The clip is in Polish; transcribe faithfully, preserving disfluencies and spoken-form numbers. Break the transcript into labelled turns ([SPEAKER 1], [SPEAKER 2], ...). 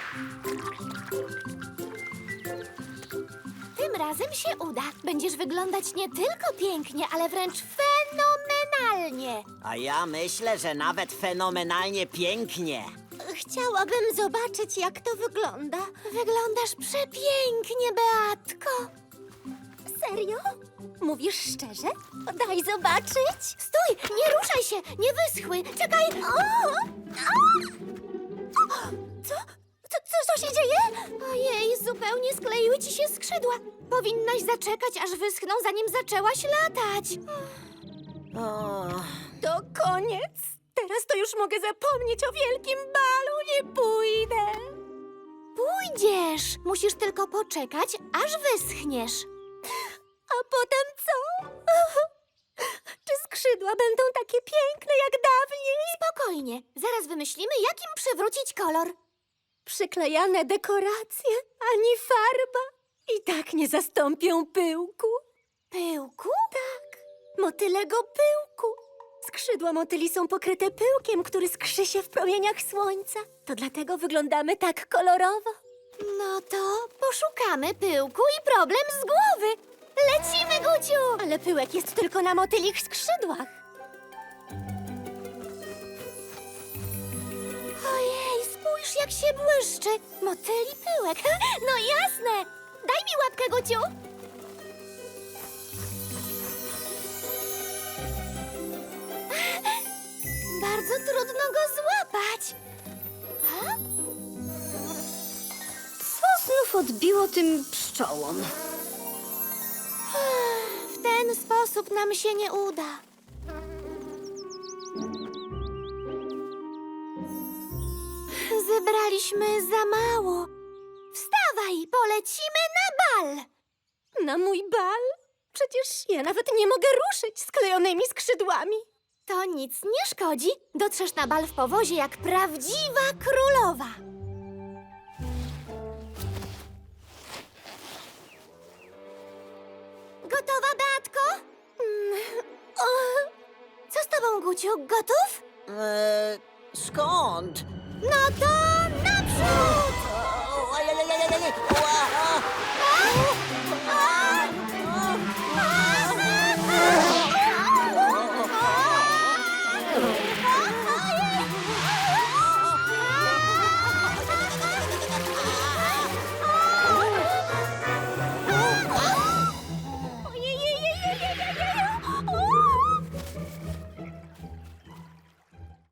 [SPEAKER 1] Tym razem się uda. Będziesz wyglądać nie tylko pięknie, ale wręcz fenomenalnie.
[SPEAKER 2] A ja myślę, że nawet fenomenalnie pięknie.
[SPEAKER 1] Chciałabym zobaczyć, jak to wygląda. Wyglądasz przepięknie, Beatko. Serio? Mówisz szczerze? Daj zobaczyć. Stój, nie ruszaj się, nie wyschły. Czekaj. O! Co? Co, co, co się dzieje? Ojej, zupełnie skleiły ci się skrzydła. Powinnaś zaczekać, aż wyschną, zanim zaczęłaś latać.
[SPEAKER 2] O,
[SPEAKER 1] To koniec. Teraz to już mogę zapomnieć o wielkim balu. Nie pójdę. Pójdziesz. Musisz tylko poczekać, aż wyschniesz. A potem co? Czy skrzydła będą takie piękne jak dawniej? Spokojnie. Zaraz wymyślimy, jak im przywrócić kolor. Przyklejane dekoracje, ani farba. I tak nie zastąpią pyłku. Pyłku? Tak, motylego pyłku. Skrzydła motyli są pokryte pyłkiem, który skrzy się w promieniach słońca. To dlatego wyglądamy tak kolorowo. No to poszukamy pyłku i problem z głowy. Lecimy, Guciu! Ale pyłek jest tylko na motylich skrzydłach. Ojej, spójrz, jak się błyszczy. Motyli pyłek. No jasne. Daj mi łapkę, Guciu. Bardzo trudno go złapać. A?
[SPEAKER 3] Co znów odbiło tym pszczołom?
[SPEAKER 1] W ten sposób nam się nie uda. Zebraliśmy za mało. Wstawaj, polecimy na bal. Na mój bal? Przecież ja nawet nie mogę ruszyć sklejonymi skrzydłami. To nic nie szkodzi. Dotrzesz na bal w powozie jak prawdziwa królowa. Gotowa, Beatko? Mm, o, co z tobą, Guciu? Gotów?
[SPEAKER 2] e, skąd?
[SPEAKER 1] No to naprzód!
[SPEAKER 2] O, ojej, ojej, ojej, ojej. Ła, a.
[SPEAKER 1] A?